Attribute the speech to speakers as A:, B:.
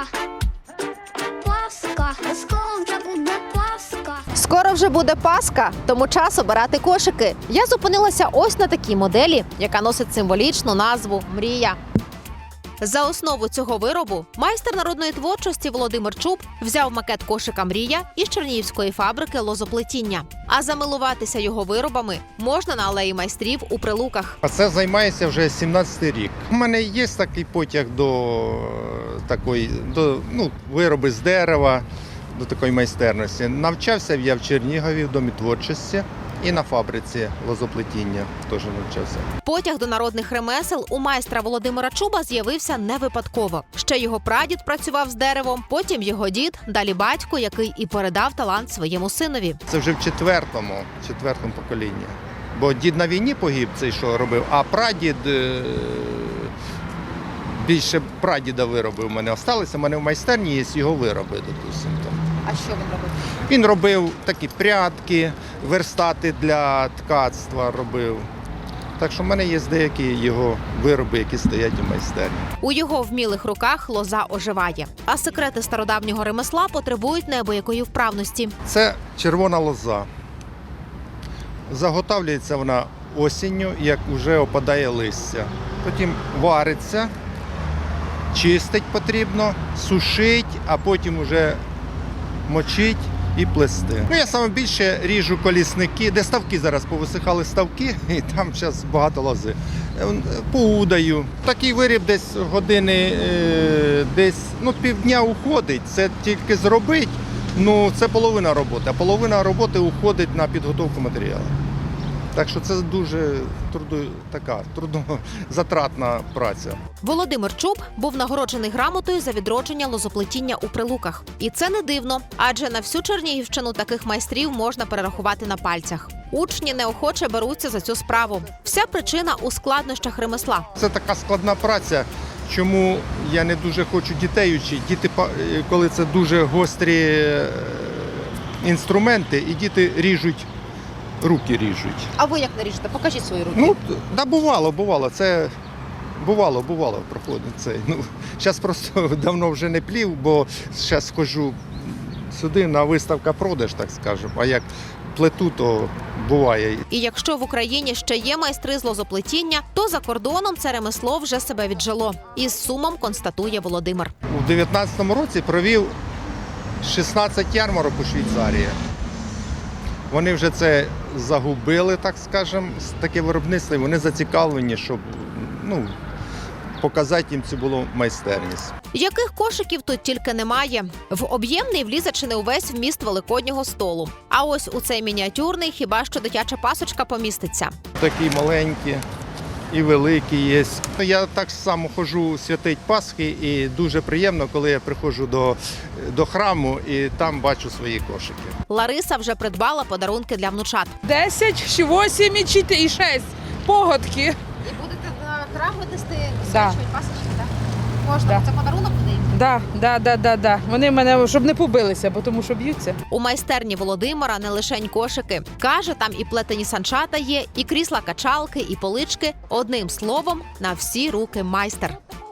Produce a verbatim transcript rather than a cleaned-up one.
A: Пасха, скоро вже буде Пасха.
B: Скоро вже буде Пасха, тому час обирати кошики. Я зупинилася ось на такій моделі, яка носить символічну назву «Мрія». За основу цього виробу майстер народної творчості Володимир Чуб взяв макет кошика «Мрія» із чернігівської фабрики лозоплетіння. А замилуватися його виробами можна на алеї майстрів у Прилуках.
C: А це займається вже сімнадцятий рік. У мене є такий потяг до такої, до ну, вироби з дерева, до такої майстерності. Навчався я в Чернігові в Домі творчості і на фабриці лозоплетіння теж навчався.
B: Потяг до народних ремесел у майстра Володимира Чуба з'явився не випадково. Ще його прадід працював з деревом, потім його дід, далі батько, який і передав талант своєму синові.
C: Це вже в четвертому, четвертому поколінні. Бо дід на війні погиб, цей що робив, а прадід, е, більше прадіда вироби у мене залишилися. У мене в майстерні є його вироби, допустимо.
B: А що він робив?
C: Він робив такі прядки, верстати для ткацтва робив. Так що в мене є деякі його вироби, які стоять у майстерні.
B: У його вмілих руках лоза оживає. А секрети стародавнього ремесла потребують неабиякої вправності.
C: Це червона лоза. Заготовлюється вона осінню, як вже опадає листя. Потім вариться, чистить потрібно, сушить, а потім вже мочить і плести. Ну, я саме більше ріжу колісники, де ставки зараз повисихали ставки, і там зараз багато лози. Поудаю. Такий виріб десь години, е, десь ну, півдня уходить. Це тільки зробить, ну це половина роботи, а половина роботи уходить на підготовку матеріалу. Так що це дуже трудо, така трудозатратна праця.
B: Володимир Чуб був нагороджений грамотою за відродження лозоплетіння у Прилуках. І це не дивно, адже на всю Чернігівщину таких майстрів можна перерахувати на пальцях. Учні неохоче беруться за цю справу. Вся причина у складнощах ремесла.
C: Це така складна праця, чому я не дуже хочу дітей вчити. Діти, коли це дуже гострі інструменти, і діти ріжуть, руки ріжуть.
B: А ви як не ріжете? Покажіть свої руки.
C: Ну, да, бувало, бувало. Це бувало, бувало проходить це. Ну, зараз просто давно вже не плів, бо зараз ходжу сюди на виставка продаж, так скажемо. А як плету, то буває.
B: І якщо в Україні ще є майстри з лозоплетіння, то за кордоном це ремесло вже себе віджило. Із сумом констатує Володимир.
C: У дев'ятнадцятому році провів шістнадцять ярмарок у Швейцарії. Вони вже це загубили, так скажемо, таке виробництво, і вони зацікавлені, щоб ну, показати їм цю було майстерність.
B: Яких кошиків тут тільки немає. В об'ємний влізе чи не увесь вміст великоднього столу. А ось у цей мініатюрний хіба що дитяча пасочка поміститься.
C: Такі маленькі і великі є. Я так само ходжу святить Пасхи, і дуже приємно, коли я приходжу до, до храму і там бачу свої кошики.
B: Лариса вже придбала подарунки для внучат.
D: Десять, вісім і чотири, і шість. Погодки.
B: І будете на храм нести
D: Да.
B: пасочки, так? Можна,
D: Да.
B: це подарунок буде їм?
D: Да, да, да, да, да. Вони мене, щоб не побилися, бо тому що б'ються.
B: У майстерні Володимира не лишень кошики. Каже, там і плетені санчата є, і крісла-качалки, і полички. Одним словом, на всі руки майстер.